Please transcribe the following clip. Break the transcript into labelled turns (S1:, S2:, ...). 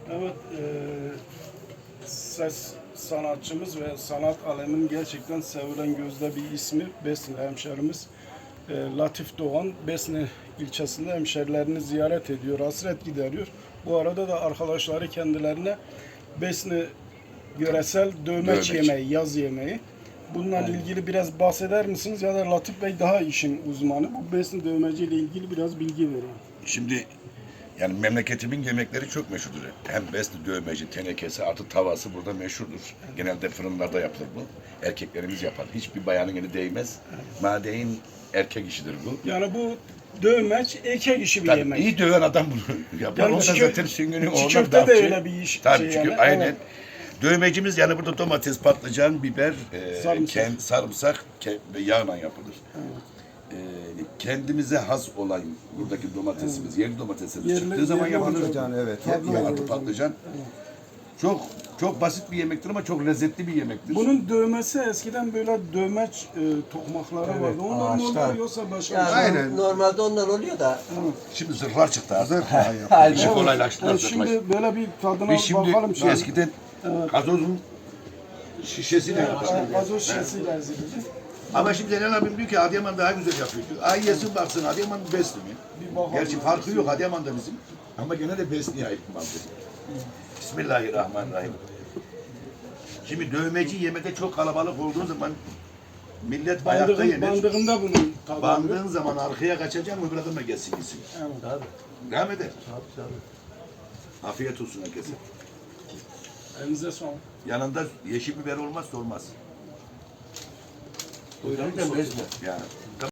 S1: Evet, ses sanatçımız ve sanat aleminin gerçekten sevilen gözde bir ismi Besni hemşerimiz. Latif Doğan, Besni ilçesinde hemşerilerini ziyaret ediyor, hasret gideriyor. Bu arada da arkadaşları kendilerine Besni yöresel dövmeç yemeği, yaz yemeği. Bununla ilgili biraz bahseder misiniz? Ya da Latif Bey daha işin uzmanı. Bu Besni dövmeci ile ilgili biraz bilgi verin.
S2: Şimdi yani memleketimin yemekleri çok meşhurdur. Hem besli dövmeci, tenekesi artı tavası burada meşhurdur. Genelde fırınlarda yapılır bu. Erkeklerimiz yapar. Hiçbir bayanın eli değmez. Madeyin erkek işidir bu.
S1: Yani bu dövmeç erkek işi bir
S2: Tabii,
S1: yemek.
S2: iyi döven adam bunu yapar.
S1: Yani
S2: O da zaten Süngün'ün
S1: çiğ
S2: oğlan
S1: köfte de
S2: dağıtçı.
S1: öyle bir iş.
S2: Tabii
S1: şey
S2: çünkü
S1: yani.
S2: aynen.
S1: Evet.
S2: Dövmecimiz yani burada domates, patlıcan, biber,
S1: Sarımsak.
S2: sarımsak ve yağla yapılır. Kendimize has olan buradaki domatesimiz, yerli domatesimiz
S1: Yerli-
S2: çıktığı zaman
S1: yerli
S2: yapılır.
S1: patlıcan,
S3: evet.
S2: Artı patlıcan. Çok basit bir yemektir ama çok lezzetli bir yemektir.
S1: Bunun dövmesi eskiden böyle dövmeç tokmakları vardı. Onlar mı
S3: ağaçlar.
S1: oluyor yoksa başka
S3: Yani
S1: bir şey?
S2: Aynen.
S3: normalde onlar oluyor da.
S2: Şimdi zırhlar çıktı artık.
S3: Aynen.
S2: İşi kolaylaştılar.
S1: Evet, şimdi böyle bir tadına
S2: Biz şimdi
S1: bakalım. Şimdi.
S2: eskiden gazozun şişesiyle yapardık.
S1: Gazoz şişesiyle ezildi.
S2: Ama şimdi Zeynel abim diyor ki Adıyaman daha güzel yapıyor diyor. Ay yesin baksın Adıyaman besli mi?
S1: Bir bakalım.
S2: Gerçi farkı yok Adıyaman'da bizim. Ama gene de besliye ait bir malzeme. Bismillahirrahmanirrahim. Şimdi dövmeci yemede çok kalabalık olduğu zaman millet ayakta yenir.
S1: Bandığında bunun tadı oluyor.
S2: Bandığın zaman arkaya kaçacaksın öbür adama gelsin gitsin.
S1: Evet.
S3: Tabii.
S2: Devam eder.
S3: Tabii.
S2: Afiyet olsun herkese.
S1: Elinize sağlık.
S2: Yanında yeşil biber olmazsa olmaz.
S3: Buyurun. Bezme.
S2: Yani.